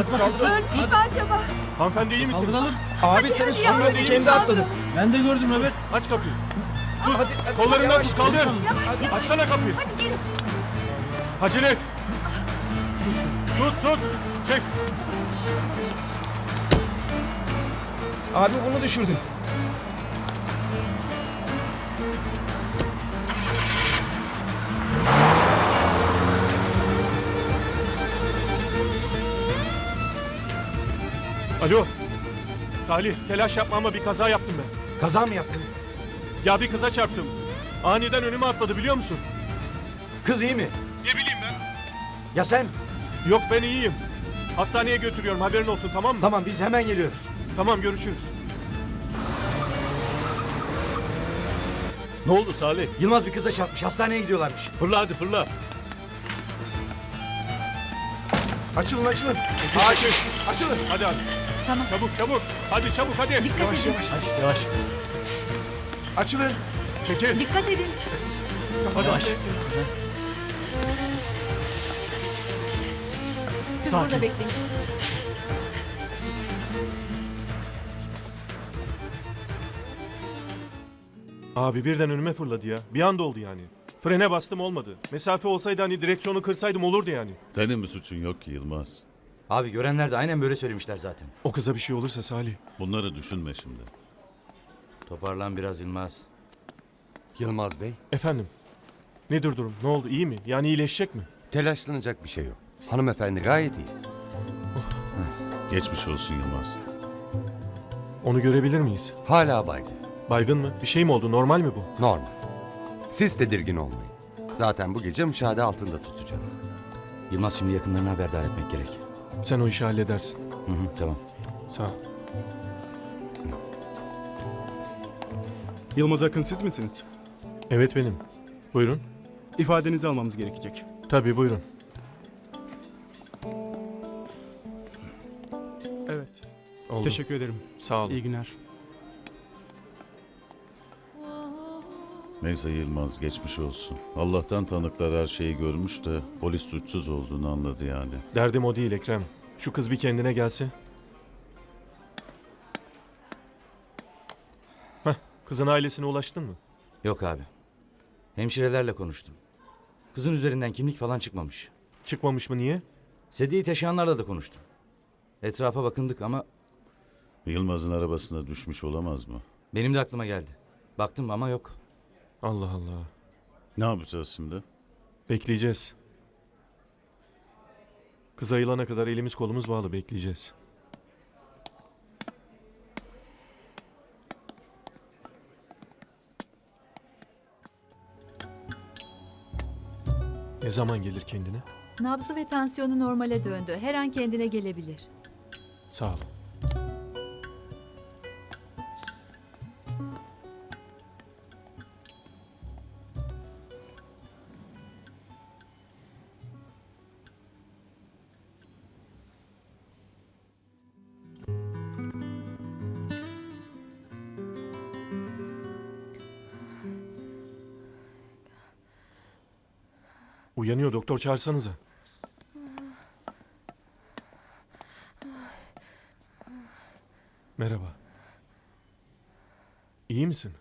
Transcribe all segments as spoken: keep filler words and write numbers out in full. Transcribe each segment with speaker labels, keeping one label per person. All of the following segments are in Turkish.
Speaker 1: Ölmüş mü acaba?
Speaker 2: Hanımefendi iyi misin?
Speaker 3: Kaldıralım.
Speaker 4: Abi senin
Speaker 1: hadi yavrum,
Speaker 4: suçun
Speaker 1: benim
Speaker 4: kendi
Speaker 1: sağlığım.
Speaker 4: atladı.
Speaker 3: Ben de gördüm evet.
Speaker 2: Aç kapıyı.
Speaker 4: Hadi, hadi
Speaker 2: Kollarından
Speaker 4: yavaş.
Speaker 2: tut kaldır.
Speaker 1: Yavaş yavaş.
Speaker 2: Açsana kapıyı.
Speaker 1: Hadi gelin.
Speaker 2: Acele et. Tut tut. Çek.
Speaker 4: Abi bunu düşürdün.
Speaker 2: Alo. Salih telaş yapma ama bir kaza yaptım ben.
Speaker 5: Kaza mı yaptın?
Speaker 2: Ya bir kıza çarptım. Aniden önüme atladı biliyor musun?
Speaker 5: Kız iyi mi?
Speaker 2: Ne bileyim ben.
Speaker 5: Ya sen?
Speaker 2: Yok ben iyiyim. Hastaneye götürüyorum haberin olsun tamam mı?
Speaker 5: Tamam biz hemen geliyoruz.
Speaker 2: Tamam görüşürüz.
Speaker 6: Ne oldu Salih?
Speaker 5: Yılmaz bir kıza çarpmış. Hastaneye gidiyorlarmış.
Speaker 6: Fırla hadi fırla.
Speaker 5: Açılın açılın.
Speaker 2: Açın.
Speaker 5: Açılın.
Speaker 2: Hadi hadi.
Speaker 1: Tamam.
Speaker 2: Çabuk çabuk. Hadi çabuk hadi.
Speaker 1: Dikkat
Speaker 5: Yavaş
Speaker 1: edin.
Speaker 5: yavaş.
Speaker 2: Yavaş.
Speaker 5: Açılın.
Speaker 2: Çekil.
Speaker 1: Dikkat edin.
Speaker 2: Hadi yavaş.
Speaker 1: Siz
Speaker 2: Sakin.
Speaker 1: burada bekleyin.
Speaker 2: Abi birden önüme fırladı ya. Bir anda oldu yani. Frene bastım olmadı. Mesafe olsaydı hani direksiyonu kırsaydım olurdu yani.
Speaker 6: Senin bir suçun yok ki Yılmaz.
Speaker 5: Abi görenler de aynen böyle söylemişler zaten.
Speaker 2: O kıza bir şey olursa Salih.
Speaker 6: Bunları düşünme şimdi.
Speaker 5: Toparlan biraz Yılmaz.
Speaker 7: Yılmaz Bey,
Speaker 2: Efendim. Nedir durum? Ne oldu? İyi mi? Yani iyileşecek mi?
Speaker 7: telaşlanacak bir şey yok. Hanımefendi gayet iyi.
Speaker 6: Geçmiş olsun Yılmaz.
Speaker 2: Onu görebilir miyiz?
Speaker 7: Hala baygın.
Speaker 2: Baygın mı? Bir şey mi oldu? Normal mi bu?
Speaker 7: Normal. Siz tedirgin olmayın. Zaten bu gece müşahede altında tutacağız.
Speaker 5: Yılmaz şimdi yakınlarını haberdar etmek gerek.
Speaker 2: Sen o işi halledersin.
Speaker 5: Hı hı tamam.
Speaker 2: Sağ ol.
Speaker 3: Yılmaz Akın siz misiniz?
Speaker 2: Evet benim. Buyurun.
Speaker 3: İfadenizi almamız gerekecek.
Speaker 2: Tabii buyurun.
Speaker 3: Evet.
Speaker 2: Oldu.
Speaker 3: Teşekkür ederim.
Speaker 2: Sağ olun.
Speaker 3: İyi günler.
Speaker 6: Neyse Yılmaz geçmiş olsun. Allah'tan tanıklar her şeyi görmüş de polis suçsuz olduğunu anladı yani.
Speaker 2: Derdim o değil Ekrem. Şu kız bir kendine gelse. Heh, kızın ailesine ulaştın mı?
Speaker 5: Yok abi. Hemşirelerle konuştum. Kızın üzerinden kimlik falan çıkmamış.
Speaker 2: Çıkmamış mı niye?
Speaker 5: Sedyeyi taşıyanlarla da konuştum. Etrafa bakındık ama
Speaker 6: Yılmaz'ın arabasına düşmüş olamaz mı?
Speaker 5: benim de aklıma geldi. Baktım ama yok.
Speaker 2: Allah Allah.
Speaker 6: Ne yapacağız şimdi?
Speaker 2: Bekleyeceğiz. Kız ayılana kadar elimiz kolumuz bağlı bekleyeceğiz. Ne zaman gelir kendine?
Speaker 8: Nabzı ve tansiyonu normale döndü. Her an kendine gelebilir.
Speaker 2: Sağ ol. Uyanıyor doktor çağırsanıza. Merhaba. İyi misin?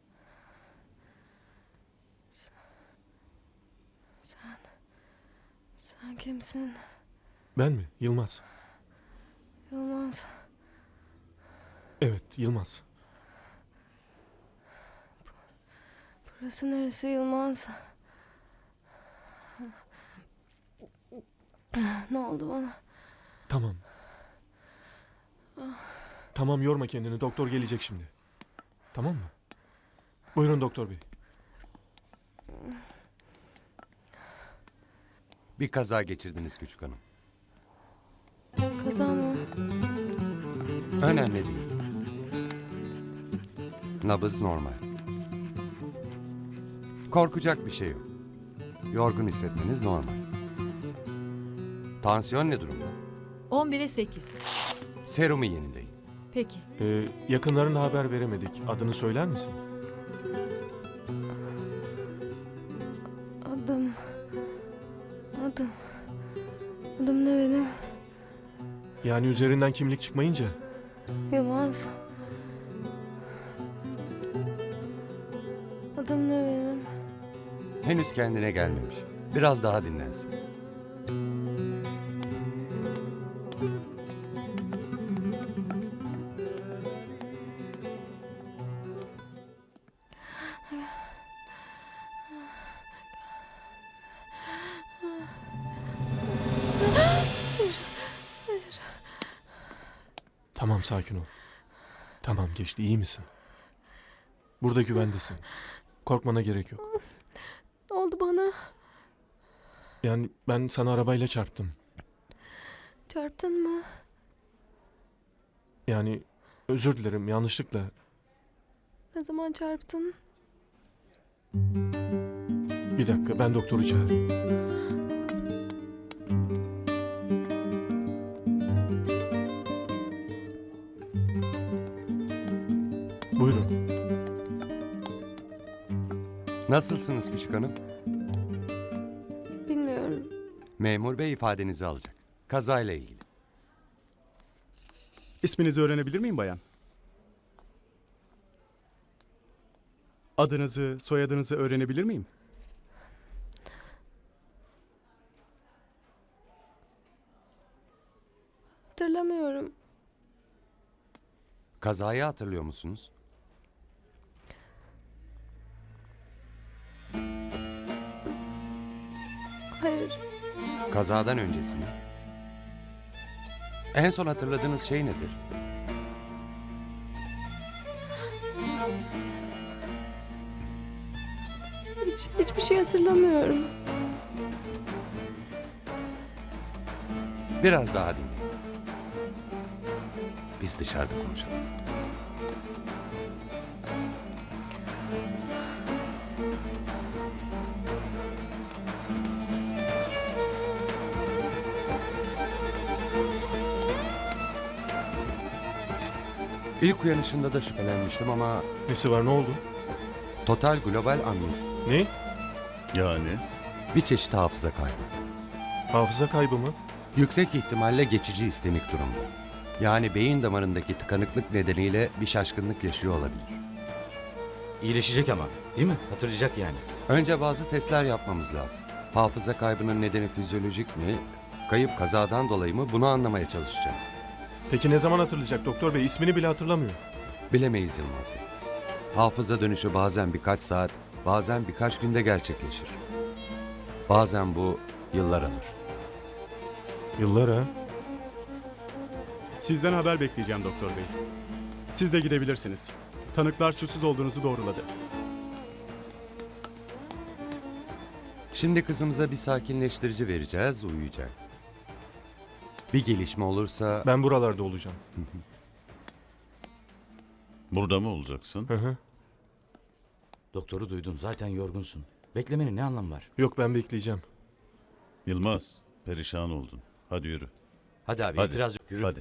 Speaker 9: Sen kimsin?
Speaker 2: Ben mi? Yılmaz.
Speaker 9: Yılmaz.
Speaker 2: Evet, Yılmaz.
Speaker 9: Burası neresi Yılmaz? Ne oldu bana?
Speaker 2: Tamam. Tamam yorma kendini. Doktor gelecek şimdi. Tamam mı? Buyurun doktor bey.
Speaker 7: Bir kaza geçirdiniz küçük hanım.
Speaker 9: Kaza mı?
Speaker 7: Önemli değil. Nabız normal. Korkacak bir şey yok. Yorgun hissetmeniz normal. Tansiyon ne durumda?
Speaker 8: on bire sekiz.
Speaker 7: Serumu yenileyin.
Speaker 8: Peki.
Speaker 2: Ee, yakınlarına haber veremedik. Adını söyler misin?
Speaker 9: Adım... Adım... Adım ne benim?
Speaker 2: Yani üzerinden kimlik çıkmayınca.
Speaker 9: Yılmaz. Adım ne benim?
Speaker 7: Henüz kendine gelmemiş. Biraz daha dinlensin.
Speaker 2: Tamam, sakin ol. Tamam, geçti, iyi misin? Burada güvendesin. Korkmana gerek yok.
Speaker 9: Ne oldu bana?
Speaker 2: Yani ben sana arabayla çarptım.
Speaker 9: Çarptın mı?
Speaker 2: Yani özür dilerim, yanlışlıkla.
Speaker 9: Ne zaman çarptın?
Speaker 2: Bir dakika, ben doktoru çağırayım. Buyurun.
Speaker 7: Nasılsınız küçük hanım?
Speaker 9: Bilmiyorum.
Speaker 7: Memur bey ifadenizi alacak. Kazayla ilgili.
Speaker 3: İsminizi öğrenebilir miyim bayan? Adınızı, soyadınızı öğrenebilir miyim?
Speaker 9: Hatırlamıyorum.
Speaker 7: Kazayı hatırlıyor musunuz?
Speaker 9: Hayır.
Speaker 7: Kazadan öncesini. En son hatırladığınız şey nedir?
Speaker 9: Hiç, hiçbir şey hatırlamıyorum.
Speaker 7: Biraz daha dinleyin. Biz dışarıda konuşalım. İlk uyanışında da şüphelenmiştim ama
Speaker 2: Nesi var, ne oldu?
Speaker 7: total global amnezi.
Speaker 2: Ne?
Speaker 6: Yani
Speaker 7: Bir çeşit hafıza kaybı.
Speaker 2: Hafıza kaybı mı?
Speaker 7: Yüksek ihtimalle geçici istemik durumda. Yani beyin damarındaki tıkanıklık nedeniyle bir şaşkınlık yaşıyor olabilir.
Speaker 5: İyileşecek ama değil mi? Hatırlayacak yani.
Speaker 7: Önce bazı testler yapmamız lazım. Hafıza kaybının nedeni fizyolojik mi, kayıp kazadan dolayı mı bunu anlamaya çalışacağız.
Speaker 2: Peki ne zaman hatırlayacak doktor bey? İsmini bile hatırlamıyor.
Speaker 7: Bilemeyiz Yılmaz Bey. Hafıza dönüşü bazen birkaç saat, bazen birkaç günde gerçekleşir. Bazen bu yıllar alır.
Speaker 2: Yıllar ha?
Speaker 3: Sizden haber bekleyeceğim doktor bey. Siz de gidebilirsiniz. Tanıklar suçsuz olduğunuzu doğruladı.
Speaker 7: Şimdi kızımıza bir sakinleştirici vereceğiz, uyuyacak. Bir gelişme olursa
Speaker 2: Ben buralarda olacağım.
Speaker 6: burada mı olacaksın?
Speaker 2: Hı hı.
Speaker 5: Doktoru duydun, zaten yorgunsun. Beklemenin ne anlamı var?
Speaker 2: Yok, ben bekleyeceğim.
Speaker 6: Yılmaz, perişan oldun. Hadi yürü.
Speaker 5: Hadi abi,
Speaker 6: Hadi.
Speaker 5: itiraz yok. Yürü.
Speaker 6: Hadi.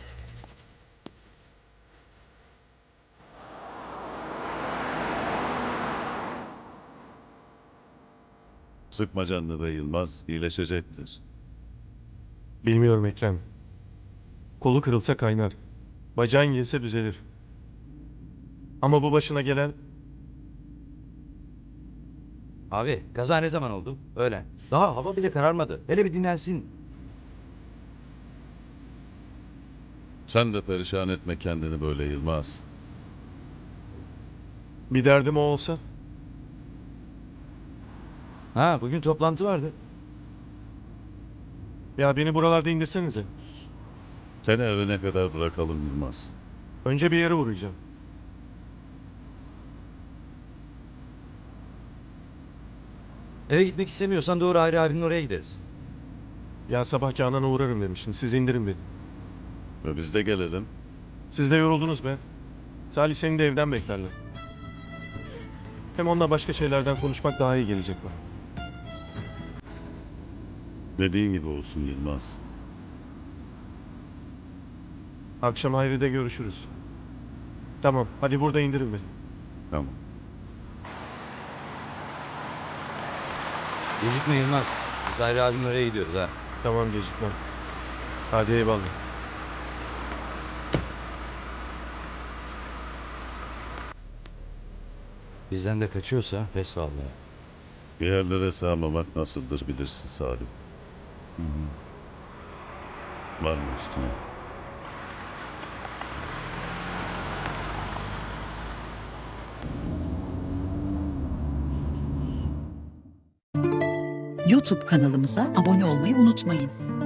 Speaker 6: Sıkma canını be Yılmaz, iyileşecektir.
Speaker 2: Bilmiyorum Ekrem. Kolu kırılsa kaynar. Bacağın yese düzelir. Ama bu başına gelen...
Speaker 5: Abi, kaza ne zaman oldu? Öğlen. Daha hava bile kararmadı. Hele bir dinlensin.
Speaker 6: Sen de perişan etme kendini böyle Yılmaz.
Speaker 2: Bir derdim o olsa...
Speaker 5: Ha, bugün toplantı vardı.
Speaker 2: Ya beni buralarda indirsenize.
Speaker 6: Seni evine kadar bırakalım Yılmaz.
Speaker 2: Önce bir yere uğrayacağım.
Speaker 5: Eve gitmek istemiyorsan doğru Hayri abinin oraya gideriz.
Speaker 2: Ya sabah Canan'a uğrarım demiştim. Siz indirin beni.
Speaker 6: Ve biz de gelelim.
Speaker 2: Siz de yoruldunuz be. Salih seni de evden beklerler. Hem onunla başka şeylerden konuşmak daha iyi gelecek bana.
Speaker 6: Dediğin gibi olsun Yılmaz.
Speaker 2: Akşam Hayri'de görüşürüz. Tamam, hadi burada indirin beni.
Speaker 6: Tamam.
Speaker 5: Gecikme Yılmaz. Biz Hayri abinin oraya gidiyoruz ha.
Speaker 2: Tamam, gecikmem. Hadi eyvallah.
Speaker 5: Bizden de kaçıyorsa pes vallahi.
Speaker 6: Bir yerlere sığamamak nasıldır bilirsin Salim. Hı hı. Var mı üstüne?
Speaker 10: YouTube kanalımıza abone olmayı unutmayın.